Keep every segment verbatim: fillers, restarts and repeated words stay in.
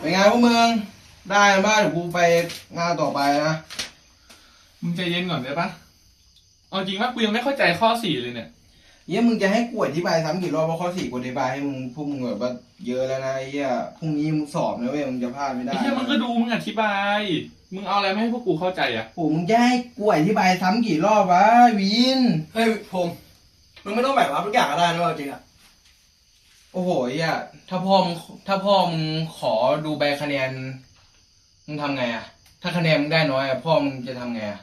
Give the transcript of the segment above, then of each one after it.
เป็นไงพวกมึงได้บ้างเดี๋ยวกูไปงานต่อไปนะมึงใจเย็นก่อนได้ปะเอาจริงว่ากูยังไม่เข้าใจข้อสี่เลยเนี่ยเยี่ยมึงจะให้กูอธิบายซ้ำกี่รอบว่าข้อสี่กูอธิบายให้มึงพวกมึงแบบว่าเยอะแล้วนะไอ้เหี้ยพรุ่งนี้มึงสอบนะเว้ยมึงจะพลาดไม่ได้ไอ้เหี้ยมึงก็ดูมึงอธิบายมึงเอาอะไรมาให้พวกกูเข้าใจอ่ะโอ้มึงจะให้กูอธิบายซ้ำกี่รอบวะวินเฮ้ยผมมึงไม่ต้องแบกรับทุกอย่างก็ได้นะจริงอะโอ้โหไอ้เหี้ยถ้าพ่อมึงถ้าพ่อมึงขอดูใบคะแนนมึงทำไงอะถ้าคะแนนมึงได้น้อยอะพ่อมึงจะทำไงอะ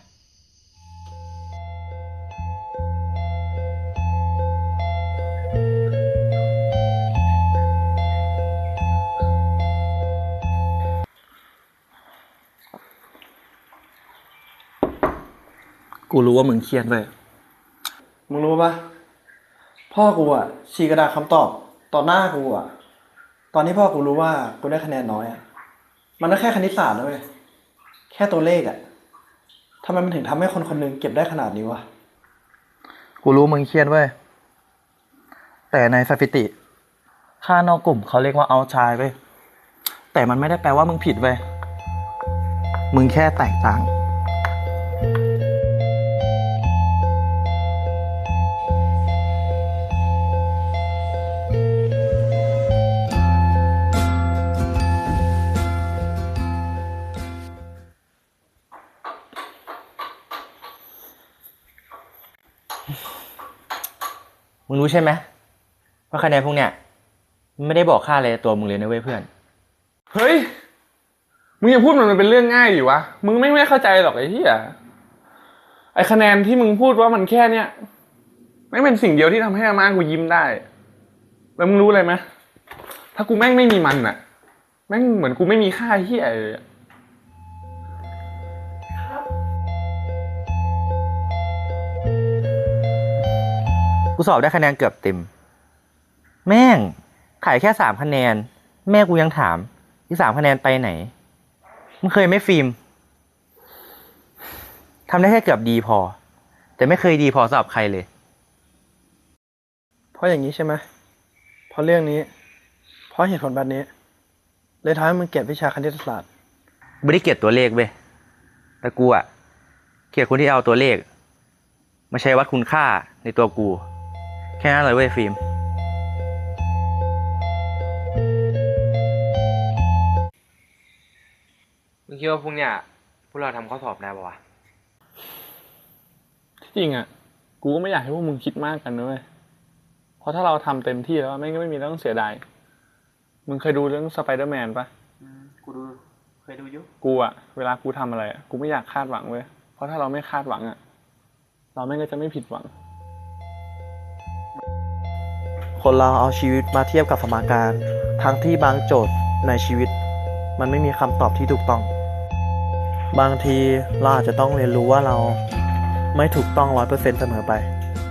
กูรู้ว่ามึงเครียดเลยมึงรู้ปะพ่อกูอ่ะชี้กระดาษคำตอบต่อหน้ากูอ่ะตอนที่พ่อกูรู้ว่ากูได้คะแนนน้อยอ่ะมันก็แค่คณิตศาสตร์นะเว้ยแค่ตัวเลขอ่ะทำไมมันถึงทำให้คนคนนึงเก็บได้ขนาดนี้วะกูรู้มึงเครียดเว้ยแต่ในสถิติค่านอกกลุ่มเขาเรียกว่าเอาชายเว้ยแต่มันไม่ได้แปลว่ามึงผิดเว้ยมึงแค่แตกต่างมึงรู้ใช่ไหมว่าคะแนนพวกเนี้ยมันไม่ได้บอกค่าอะไรตัวมึงเลยนะเว้ยเพื่อนเฮ้ยมึงอย่าพูดมันเป็นเรื่องง่ายดิวะมึงไม่ไม่เข้าใจหรอกไอ้เหี้ยไอ้คะแนนที่มึงพูดว่ามันแค่เนี้ยไม่เป็นสิ่งเดียวที่ทำให้อาม่ากูยิ้มได้แล้วมึงรู้อะไรไหมถ้ากูแม่งไม่มีมันอะแม่งเหมือนกูไม่มีค่าเหี้ยเลยกูสอบได้คะแนนเกือบเต็มแม่งขายแค่สามคะแนนแม่กูยังถามอีกสามคะแนนไปไหนมึงเคยไหมฟิล์มทำได้แค่เกือบดีพอแต่ไม่เคยดีพอสำหรับใครเลยเพราะอย่างนี้ใช่ไหมเพราะเรื่องนี้เพราะเหตุผลแบบนี้เลยทำให้มึงเกลียดวิชาคณิตศาสตร์ไม่ได้เกลียดตัวเลขเว้ยแต่กูอะเกลียดคนที่เอาตัวเลขมาใช้วัดคุณค่าในตัวกูแค่นั้นเลยเว้ยฟิล์มมึงคิดว่าพวกเนี้ยพวกเราทำข้อสอบได้ปะวะที่จริงอ่ะกูก็ไม่อยากให้พวกมึงคิดมากกันนะเว้ยเพราะถ้าเราทำเต็มที่แล้วไม่ก็ไม่มีเรื่องเสียดายมึงเคยดูเรื่องสไปเดอร์แมนปะกูดูเคยดูยุกูอ่ะเวลากูทำอะไรอ่ะกูไม่อยากคาดหวังเว้ยเพราะถ้าเราไม่คาดหวังอ่ะเราไม่ก็จะไม่ผิดหวังคนเราเอาชีวิตมาเทียบกับสมการทั้งที่บางโจทย์ในชีวิตมันไม่มีคำตอบที่ถูกต้องบางทีเราอาจจะต้องเรียนรู้ว่าเราไม่ถูกต้อง ร้อยเปอร์เซ็นต์ เสมอไป